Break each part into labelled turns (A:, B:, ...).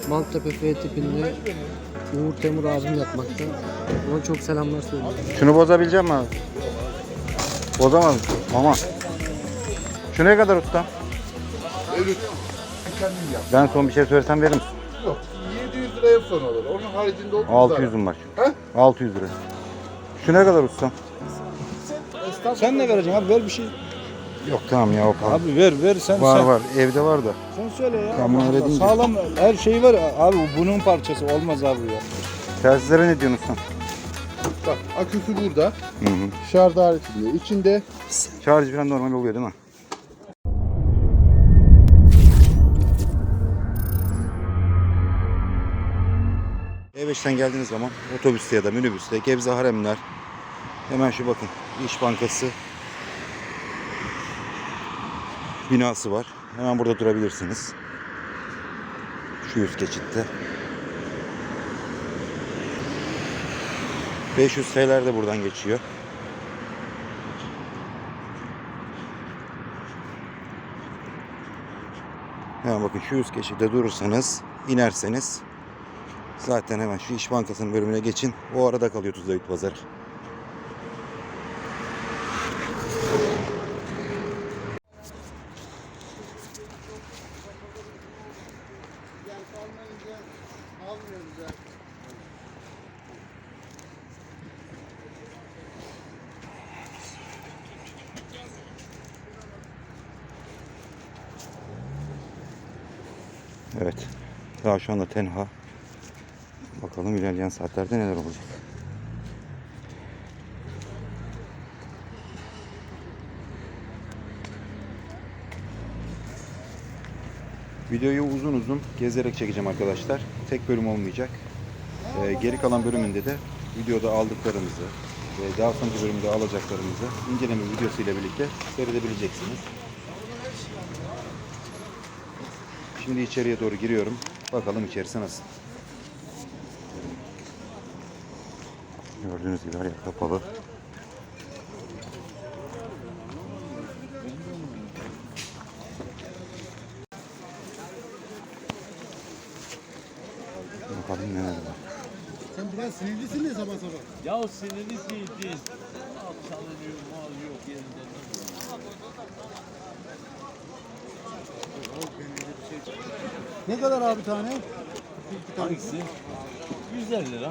A: Maltepe F tipinde Uğur Temur abim yapmakta. Ona çok selamlar söylüyorum.
B: Şunu bozabilecek misin abi? Bozamaz. Ama. Şu ne kadar usta?
C: Evet. Kendim yap.
B: Ben son bir şey söylesem verir misin?
C: Yok. 700 liraya son olur. Onun haricinde olmaz.
B: 600'üm var.
C: He?
B: 600 lira. Şu ne kadar usta?
D: Sen ne vereceksin abi, ver bir şey.
B: Yok tamam ya o pahalı.
D: Abi ver sen.
B: Var
D: sen,
B: var evde var da.
D: Sen söyle ya.
B: Tamam, öyle deyince.
D: Sağlam her şey var abi, bunun parçası olmaz abi ya.
B: Telsizlere ne diyorsun usta?
C: Bak aküsü burada.
B: Hı hı.
C: Şarj aletinde. İçinde
B: Şarj falan normal oluyor değil mi? E5'ten geldiğiniz zaman otobüste ya da minibüste Gebze Haremler, hemen şu bakın İş Bankası binası var. Hemen burada durabilirsiniz. Şu üst geçitte. 500 TL'ler de buradan geçiyor. Hemen bakın şu üst geçitte durursanız, inerseniz zaten hemen şu İş Bankası'nın bölümüne geçin. O arada kalıyor Tuzla Bit Pazarı. Evet. Daha şu anda tenha. Bakalım ilerleyen saatlerde neler olacak. Videoyu uzun uzun gezerek çekeceğim arkadaşlar. Tek bölüm olmayacak. Geri kalan bölümünde de videoda aldıklarımızı ve daha sonraki bölümde alacaklarımızı inceleme videosu ile birlikte seyredebileceksiniz. Şimdi içeriye doğru giriyorum. Bakalım içerisi nasıl. Gördüğünüz gibi her yer kapalı. Bakalım neler var.
E: Sen biraz sinirlisin ya sabah sabah.
F: Ya sinirli değil. Çalınıyor, mal yok yerinde.
E: Ne kadar abi tane?
F: Hangisi? 150 lira.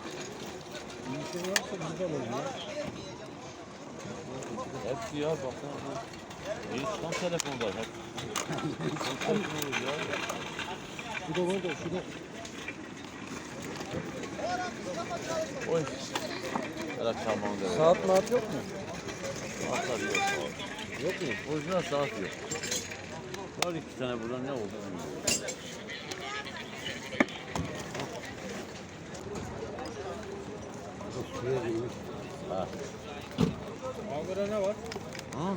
F: Hepsi ya baksana. Tam telefonda hep. Tam telefonu ya.
E: Şu da var da şu da.
F: Oy. Bırak çalmam da.
E: Saat maat yok mu?
F: Saatler yok. Yok mu? Orijinal saat yok. Var 2 tane burada ne oldu bilmiyorum. Ha.
E: Ankara ne var?
F: Ha?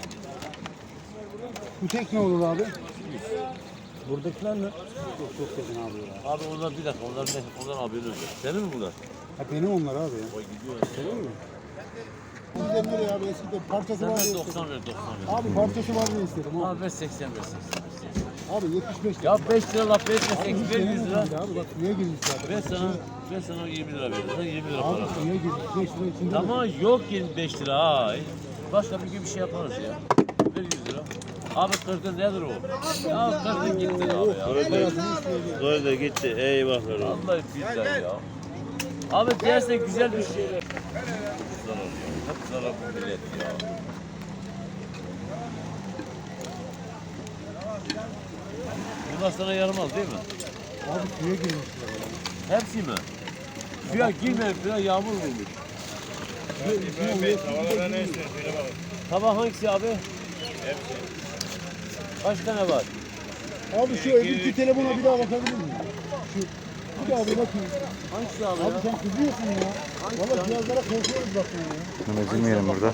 E: Bu tek ne olur abi? Buradakiler ne? Çok yakın abi ya.
F: Abi onlar bir dakika. Ondan haberin yok. Senin mi bunlar?
E: Ha benim onlar abi ya.
F: O gidiyor.
E: Senin mi? Bizden nereye abi eskiden parçası var
F: Senden
E: diye
F: 90
E: istedim.
F: ver 90 ver.
E: Abi parçası var diye istedim abi.
F: Abi ver 80 ver 80.
E: Abi 75 lira.
F: Ya 5 lira laf verirse 80
E: Abi,
F: ver 100 lira.
E: Abi bak suya girmiş zaten.
F: Ben sana 20 lira veririm. Sen 20 lira para.
E: Abi suya girmiş 5 lira içinde.
F: Ama yok 25 lira. Ay. Başka bir gün bir şey yaparız ya. Ver 100 lira. Abi kırdın nedir o? Ya kırdın gitti abi ya.
G: Böyle gitti. Eyvahlar olsun.
F: Vallahi billahi ya. Abi dersen güzel bir şey. Hep zarar ya. Hep zarar bu millet ya. Bunlar sana yaramaz değil mi?
E: Abi suya girmiş.
F: Hepsi mi? Suya girmeyip suya yağmur vurmuş.
G: Havalara ne istiyorsun? Şöyle bakın.
F: Tabak hangisi abi?
G: Hepsi.
F: Kaç tane var?
E: Abi şu öbürkü telefona bir daha bakabilir miyim? Şu. Bir daha bir bakayım.
F: Hangisi abi
E: Abi
F: ya?
E: sen kızıyorsun ya. Valla cihazlara korkuyoruz bak ya.
B: Bunu ezilmeyelim burada.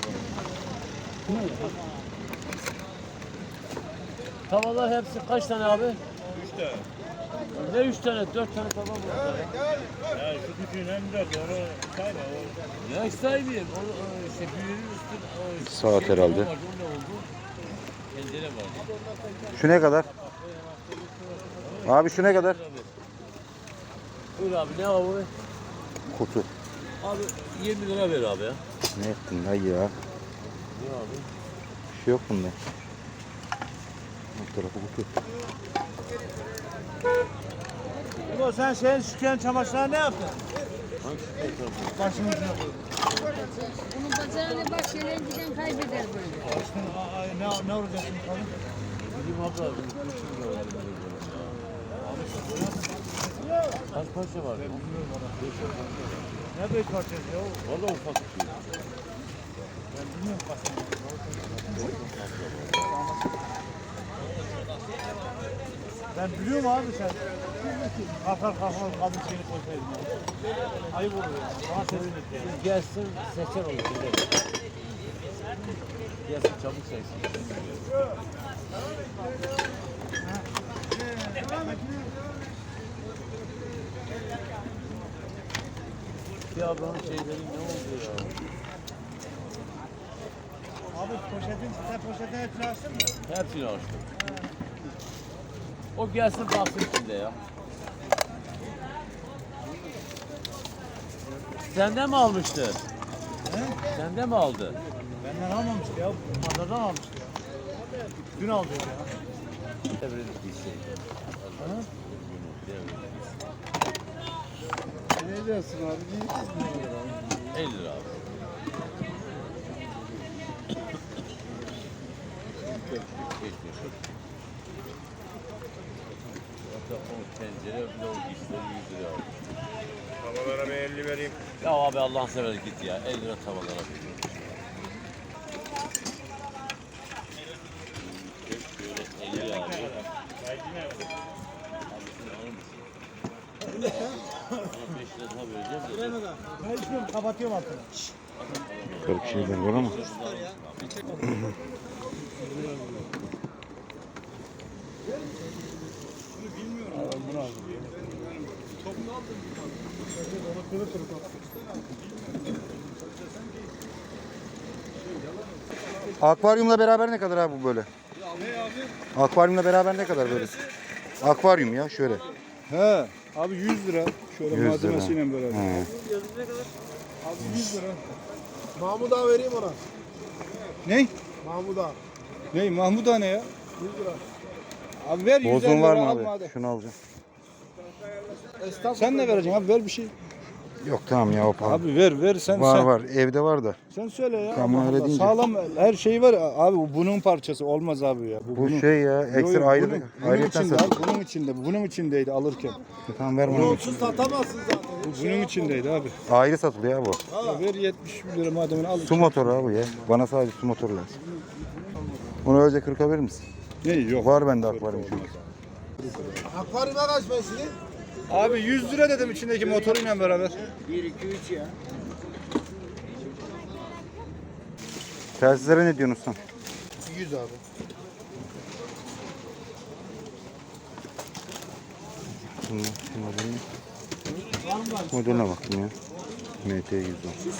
F: Tavalar hepsi kaç tane abi?
G: 3 tane.
F: Ne 3 tane? 4 tane tava var.
G: Ya şu küçüğün hem 4 onu sayma. O
F: Ne saymıyorum. O işte büyüğünün üstüne.
B: Saat herhalde.
F: Vardı, o ne oldu? Pencere vardı.
B: Şu ne kadar? Abi şu ne kadar?
F: Buyur abi ne var bu?
B: Kutu.
F: Abi 20 lira ver abi ya.
B: Ne ettin dayı ya?
F: Ne abi?
B: Bir şey yok bunda. Alt tarafı kutu.
G: Ulan sen şeyin sütyen çamaşırına ne yaptın? Başını ucuna koydun.
H: Bunun bacağını bak şeyler giden kaybeder böyle.
G: Ne olacak şimdi falan?
F: Bizim abla kaç parça var?
G: Ne büyük parçası ya?
F: Valla ufak bir şey.
G: Ben bilmiyorum kasını. Ben biliyorum abi sen. Kalkar kadın şeyini koysaydın ya. Ayıp olur ya. Bana sevinir yani.
F: Gelsin seçer olur. Gelsin çabuk seçsin. Bir ablanın şeyleri ne oldu ya?
G: Abi sen poşetin hepsini açtın mı?
F: Hepsini açtım. O gelsin baksın içinde ya. Senden mi almıştı?
G: He?
F: Senden mi aldı?
G: Benden almamıştı ya. Pazardan almıştı ya. Dün aldı ya.
F: Devrilip bir şey.
G: Ha?
C: Ne diyorsun abi? Ne
F: 50 lira abi. Hatta o tencere bile o gitsin 100 lira abi.
G: Tavalara bir 50 vereyim.
F: Ya abi Allah'ın seversen git ya. 50 lira tavalara bir. Şöyle 50 abi. Bana 5 lira daha vereceğim de.
G: Ben içmiyorum, kapatıyorum altını.
B: Garip şeyler var ama. Akvaryumla beraber ne kadar abi bu böyle? Akvaryumla beraber ne kadar böyle? Akvaryum ya şöyle.
D: He. Abi 100 lira. Şöyle
B: 100 lira.
D: malzemesiyle beraber.
B: He.
E: Abi 100 lira. Mahmut ağa vereyim ona.
D: Ne?
E: Mahmut ağa.
D: Ne? Mahmut ne ya?
E: 100 lira.
D: Abi ver 150
B: Bozun var
D: lira
B: mı
D: alma
B: abi?
D: hadi.
B: Şunu alacağım.
E: Esnaf
D: Sen ne vereceksin abi? Ver bir şey.
B: Yok tamam ya o pahalı.
D: Abi ver sen
B: Var
D: sen.
B: var evde var da.
D: Sen söyle ya.
B: Tamam,
D: Allah
B: öyle
D: Allah.
B: deyince.
D: Sağlam her şey var. Abi bu bunun parçası olmaz abi ya.
B: Bu
D: bunun.
B: şey ya
D: Yo,
B: ekstra
D: yo,
B: ayrı
D: bunun
B: ayrıyetten
D: içinde
B: satılıyor.
D: abi, bunun içinde. Bunun içindeydi alırken.
B: Tamam ver bana.
E: Onsuz satamazsın zaten.
D: Bu bunun içindeydi abi.
B: Ayrı satılıyor ya bu.
D: Ya ver 70 lira mademini al.
B: Su motoru abi ya. Bana sadece su motoru lazım. Onu öylece 40'a verir misin?
D: Ne yok.
B: Var bende akvaryum çünkü.
E: Akvaryuma kaç mesleği?
D: Abi 100 lira dedim içindeki motoruyla beraber.
B: Telsizlere ne diyorsun sen?
E: 100 abi.
B: Şu modeline bakayım ya. MT 110.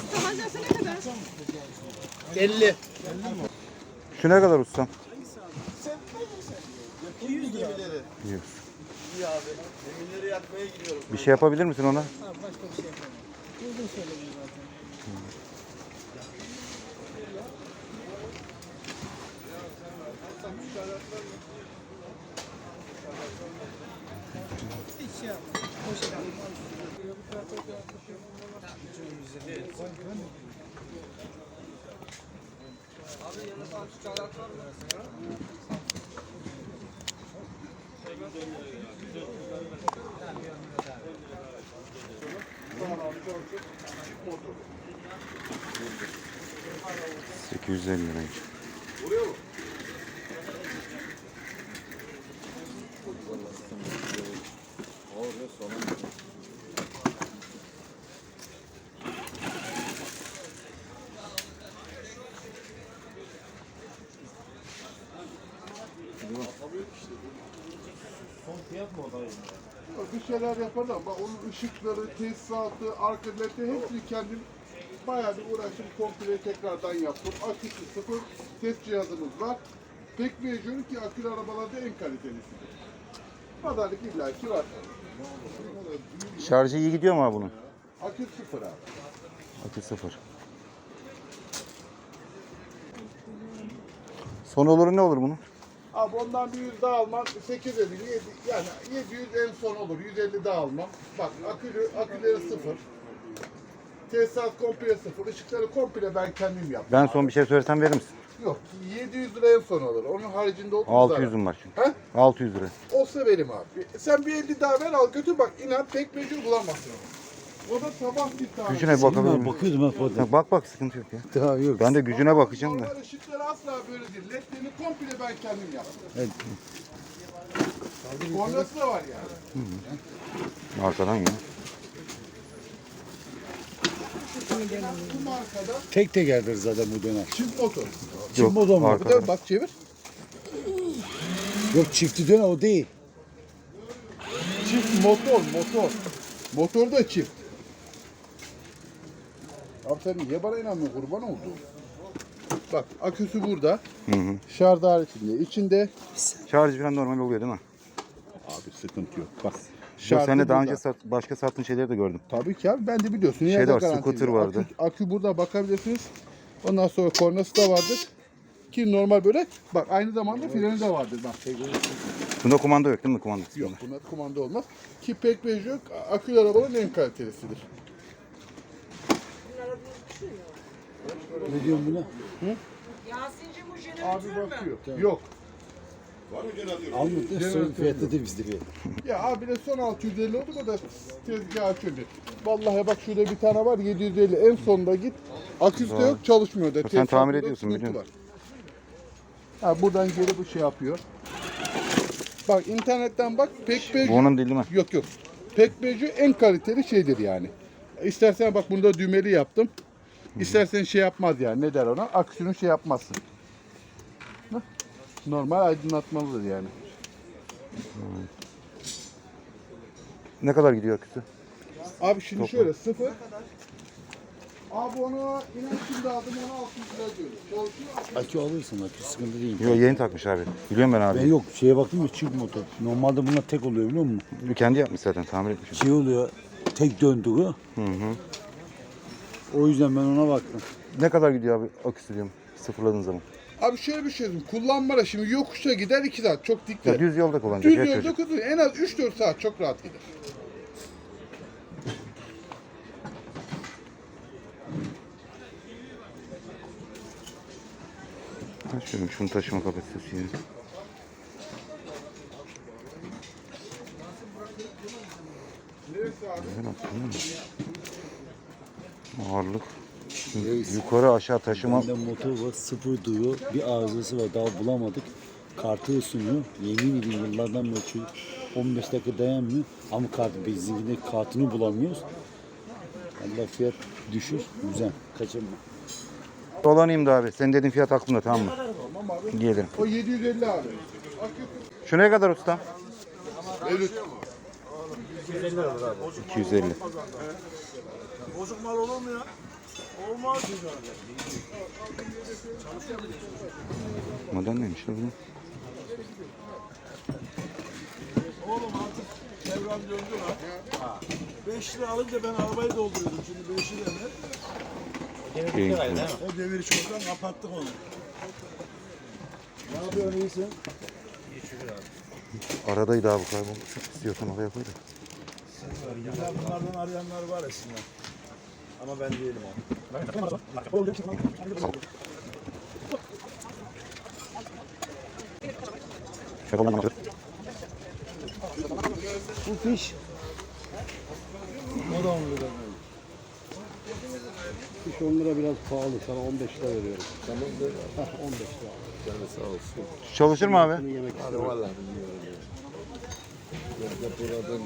E: 50.
B: Şu ne kadar ustam?
E: 100 lira.
B: 100.
E: İyi abi. Eminleri yakmaya gidiyorum.
B: Bir şey yapabilir misin ona?
E: Başka bir şey yapalım. Uygun söyledim zaten. Hiç şey yapma. Hoş geldin.
B: 850 liraymış.
C: Bir şeyler yaparlar ama onun ışıkları, tesisatı, arka led'i hepsini kendim bayağı bir uğraştım. Komple tekrardan yaptım. Aküsü sıfır, ses cihazımız var. Pek mecbur ki akülü arabalarda en kalitelisidir. Pazarlık illaki var.
B: Şarjı iyi gidiyor mu abi bunun?
C: Akü sıfır abi.
B: Akü 0. Son oluru ne olur bunun?
C: Abi ondan bir 100 daha almam 850 yani 700 en son olur. 150 daha almam. Bak aküleri sıfır. Tesisat komple sıfır. Işıkları komple ben kendim yaptım.
B: Ben son bir şey söylesem verir misin?
C: Yok 700 lira en son olur. Onun haricinde 30 lira.
B: 600'üm var çünkü.
C: He?
B: 600 lira.
C: Olsa verim abi. Sen bir 50 daha ver al götür bak inan tek mecbur bulamazsın. O da sabah bir tane.
B: Gücüne bakabilir miyim?
E: Bakıyordum ben fotoğrafı.
B: Bak sıkıntı yok ya.
E: Daha yok.
B: Ben de gücüne bakacağım da.
C: Normal ışıkları asla böyle değil. Ledlerini komple ben kendim yaptım.
E: Evet.
C: Kornası da var yani.
B: Arkadan ya.
C: Bu markada
E: Tek tekerdir zaten bu dönem.
C: çift motor.
E: Çift motor mu?
C: Bir
B: arkadan.
C: de bak çevir.
E: Yok çiftli dönem o değil.
C: Çift motor. Motor da çift. Abi sen niye bana inanmıyorsun kurban oldu? Bak aküsü burada. Şarj haricinde. İçinde
B: Şarj falan normal oluyor değil mi?
C: abi sıkıntı yok. Bak.
B: Yok, sen de daha
C: burada.
B: önce başka sattığın şeyleri de gördüm.
C: Tabii ki abi ben de biliyorsun.
B: Şeyde
C: Yerde
B: var,
C: garantili.
B: scooter vardı.
C: Akü burada bakabilirsiniz. Ondan sonra kornası da vardır. Ki normal böyle bak aynı zamanda freni de vardır. Bak
B: Bunda kumanda yok değil mi? Kumandası
C: yok buna kumanda olmaz. Ki pek yok akülü arabaların en kalitelisidir.
E: Ne diyorsun buna?
C: Abi bakıyor. Yok.
E: Almadı. Son fiyatı da bizde bir.
C: Ya abi de son 650 oldu o da tezgah açıldı. Vallahi bak şurada bir tane var 750 en sonda git. Aküsü de yok çalışmıyor da.
B: Sen
C: Tesisat
B: tamir
C: burada
B: ediyorsun,
C: sıkıntı
B: biliyorum.
C: var. Ha buradan geri bu şey yapıyor. Bak internetten bak Pekbeju.
B: Bu onun değil mi?
C: Yok. Pekbeju en kaliteli şeydir yani. İstersen bak bunda düğmeli yaptım. İstersen şey yapmaz yani ne der ona? Aküsünü şey yapmazsın. Hah. Normal aydınlatmalıdır yani.
B: Ne kadar gidiyor aküsü?
C: Abi şimdi şöyle sıfır. Abi onu inan şimdi aldım ona 600 lira diyoruz. Çalışıyor.
E: Akü alırsın akü sıkıntı değil.
B: Yok yeni takmış abi. Biliyorum ben abi.
E: Ben yok şeye baktım ya çift motor. Normalde bunlar tek oluyor biliyor musun?
B: Kendi yapmış zaten tamir etmiş.
E: Şey oluyor tek döndüğü. O yüzden ben ona baktım.
B: Ne kadar gidiyor abi aküsü diyorum sıfırladığın zaman?
C: Abi şöyle bir şey diyeyim. Kullanmada şimdi yokuşa gider 2 saat. Çok
B: Ya
C: dikkat.
B: düz yolda kullanacak
C: Düz
B: ya
C: yolda
B: çocuk.
C: kullanır. En az 3-4 saat çok rahat gider.
B: Şöyle şunu taşıma kapasitesi yani.
C: Neresi abi?
B: Güzel aslında ama. Ağırlık. Yukarı aşağı taşıma.
E: Bende motor var sıfır duyuyor. Bir arızası var daha bulamadık. Kartı ısınıyor. Yemin ediyorum yıllardan beri çocuk 15 dakika dayanmıyor. Ama kartı benzinkinde kartını bulamıyoruz. Allah fiyat düşür. Güzel. Kaçırma.
B: Dolanayım da abi. Senin dediğin fiyat aklımda tamam mı?
C: Tamam abi.
B: Gelirim.
C: O 750 abi. Akü
B: Şu ne kadar usta?
C: evet.
B: 250.
G: Bozuk mal olur mu ya? Olmaz.
B: Model neymiş lan bu?
G: Oğlum artık devran döndü lan. 5 lira alınca ben arabayı dolduruyordum. Şimdi 5 lira ne?
B: Keyifli.
G: O deviri çoktan kapattık onu. Ne yapıyorsun iyisin?
B: Aradaydı abi kayboldu. İstiyorsan oraya koy da.
G: Ya bunlardan arayanlar var aslında. Ama ben değilim o.
E: Bu fiş. O da 10 lira. Fiş 10 lira biraz pahalı. Sana 15 lira veriyorum. Tamam mı? 15 lira. Yani sağ olsun.
B: Çalışır mı abi?
E: Yemek
I: Hadi vallahi bilmiyorum ya. Ya buradan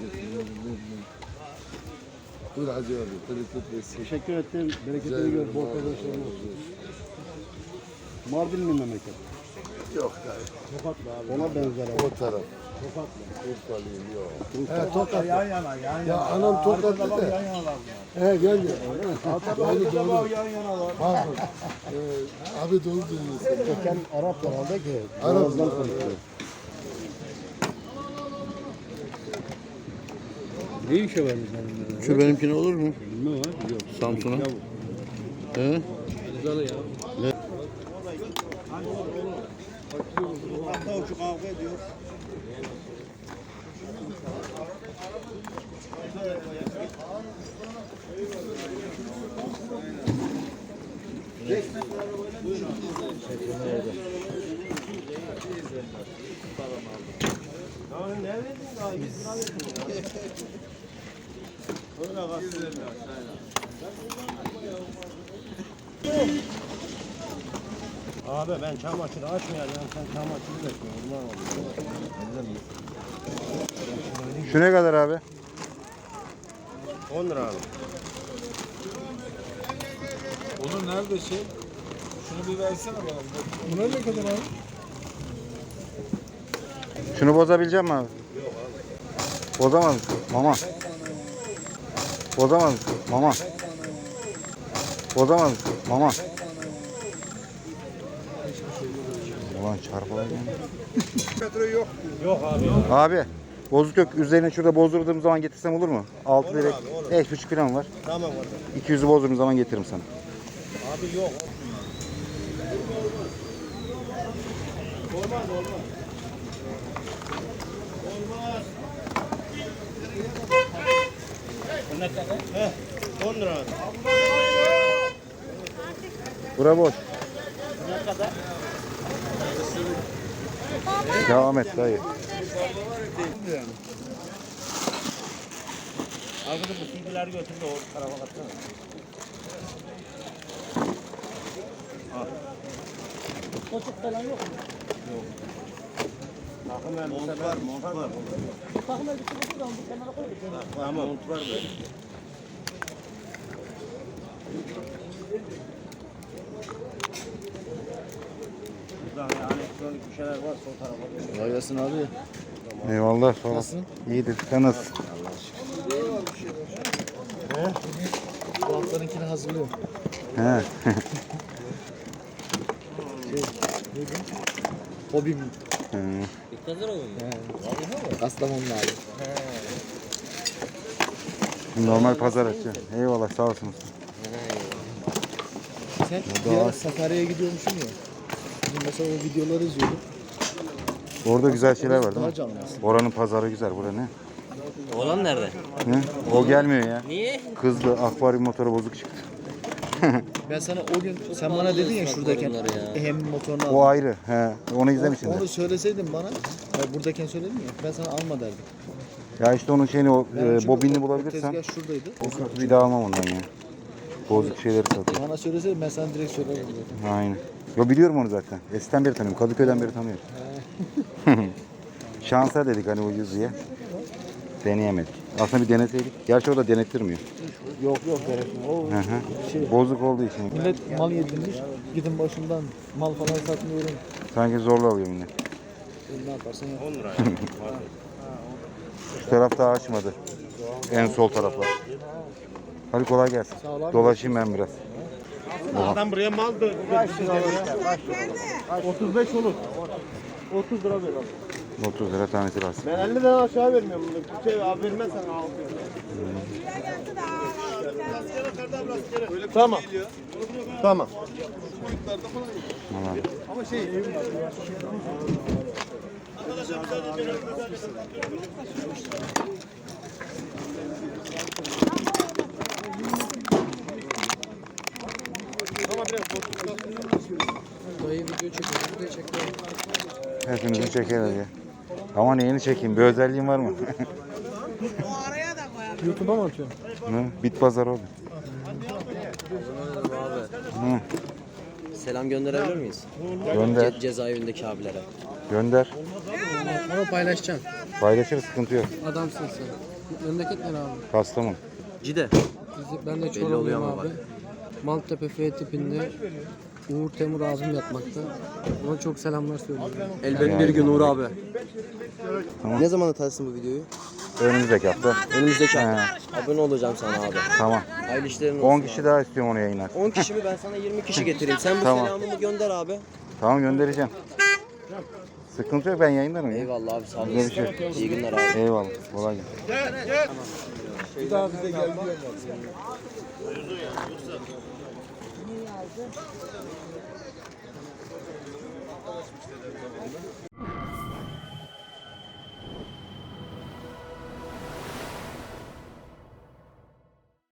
I: dur hacı abi. Tırıtıt
E: Teşekkür ettim. Bereketini gör. Bol kazançlarını olsun. Mardinli memleket.
I: Yok dayı.
E: Tokatlı abi. Ona benzer abi.
I: O taraf.
E: Tokatlı.
I: Urfalıyım yok.
G: Tokat'ta yan yana yan yana.
I: Ya anam Tokatlı da.
G: Yan yanalar.
I: He gel ya.
G: Arkada bak yan yanalar.
I: Pardon. Abi doğru söylüyorsun.
E: Köken Arap herhalde ki.
I: Arap.
E: Boğaz'dan konuşuyor.
A: Ne işe vermiş yani?
I: Şu benimkine olur mu?
A: Bilmem abi. Yok.
I: Samsun'a. He?
A: Güzel ya.
F: Abi ben çamaşır açmayacağım. Sen çamaşırı bekliyorsun. Bunlar oluyor.
B: Şu ne kadar abi?
F: 10 lira abi.
G: Onun nerede şey? Şunu bir versene bana. Buna ne kadar abi?
B: Şunu bozabilecek misin abi? Yok abi. Bozamaz mısın? Mama. Bozamaz mısın? Mama. Bozamaz mısın? Mama. Ulan çarpılayım.
F: Yok abi.
B: Abi bozuk yok. Üzerine şurada bozdurduğum zaman getirsem olur mu? 6 lira. 5,5 falan var.
F: Tamam abi.
B: 200'ü bozdurduğum zaman getiririm sana.
F: Abi yok. Ne kadar? 10 lira abi.
B: Bura boş.
F: Ne kadar?
B: Devam et dayı.
F: Arkada bu silgileri götür de o tarafa katsana. Koçuk falan yok mu? Yok. Takım elbise var, mont var. Takım elbise buradan bu kenara koy. Tamam, mont var böyle. Burada yani elektronik bir şeyler var sol tarafa.
I: Kolay gelsin abi.
B: Eyvallah sağ ol. İyidir. Sen nasılsın?
I: Bu haftanınkini hazırlıyorum.
B: He.
I: Hobim.
B: Hı.
I: Kastamonu'nun abi.
B: Normal pazar açıyor. Eyvallah sağ olsun.
I: Sen bir ara Sakarya'ya gidiyormuşsun ya. Şimdi mesela o videoları izliyordum.
B: Orada güzel şeyler var değil
I: Daha
B: mi?
I: canlı aslında.
B: Oranın pazarı güzel. Bura ne?
F: Olan nerede?
B: Hı? O gelmiyor ya.
F: Niye?
B: Kızdı. Akvaryum motoru bozuk çıktı.
I: Ben sana o gün sen bana dedin ya şuradayken hem motorunu al.
B: O ayrı. He. Onu izlemişsin.
I: Onu söyleseydin bana, buradayken söyledin ya, ben sana alma derdim.
B: Ya işte onun şeyini o
I: Çünkü
B: bobinini
I: o
B: bulabilirsen
I: tezgah şuradaydı.
B: bir daha almam ondan ya. Bozuk şeyleri satıyor.
I: Bana söyleseydin ben sana direkt söylerdim zaten.
B: Aynen. Yo biliyorum onu zaten. Eskiden beri tanıyorum. Kadıköy'den beri tanıyorum. Şansa dedik hani ucuz diye. Deneyemedik. Aslında bir deneseydik. Gerçi o da denettirmiyor.
I: Yok gerekmiyor. O
B: Hı hı.
I: şey,
B: Bozuk olduğu için.
I: millet mal yedirmiş, gidin başından mal falan satmıyorum.
B: Sanki zorla alıyor millet.
I: Ne yaparsan yap.
F: 10 lira.
B: Şu taraf daha açmadı. En sol taraflar. Hadi kolay gelsin.
I: Sağ ol abi.
B: Dolaşayım ben biraz.
F: Adam buraya mal da 35 olur. 30 lira ver abi.
B: 30 lira tanesi lazım.
F: Ben 50 lira aşağı vermiyorum bunu. Şey abi vermezsen al. Tamam. Tamam.
B: Vallahi.
A: Dayı video çekiyor. Bir de çekiyor.
B: Hepimizi çekeriz ya. Ama neyini çekeyim? Bir özelliğin var mı?
I: YouTube'a mı atıyorsun?
B: Hı? Bit pazar oldu. Hı.
J: Selam gönderebilir miyiz?
B: Gönder.
J: Cezaevindeki abilere.
B: Gönder.
A: Ama paylaşacaksın.
B: Paylaşırız, sıkıntı yok.
A: Adamsın sen. Memleket ne abi?
B: Kastamonu.
J: Cide.
A: Ben de
J: oluyor
A: Çorumluyum
J: ama
A: abi. Maltepe F tipinde Uğur Temur abim yatmakta. Ona çok selamlar söylüyorum.
J: Elbet bir gün Uğur abi. Ne zaman atarsın bu videoyu?
B: Önümüzdeki hafta.
J: Önümüzdeki hafta. Abone olacağım sana abi.
B: Tamam.
J: Hayırlı işlerin olsun.
B: 10 kişi daha istiyorum onu yayınlar.
J: 10 kişi mi? Ben sana 20 kişi getireyim. Sen bu
B: Tamam.
J: selamımı gönder abi.
B: Tamam göndereceğim. Sıkıntı yok, ben yayınlarım ya.
J: Eyvallah abi sağ
B: Güzel bir
J: olasın.
B: şey.
J: İyi günler abi.
B: Eyvallah. Kolay gelsin.
G: Bir daha bize gel diyorlar.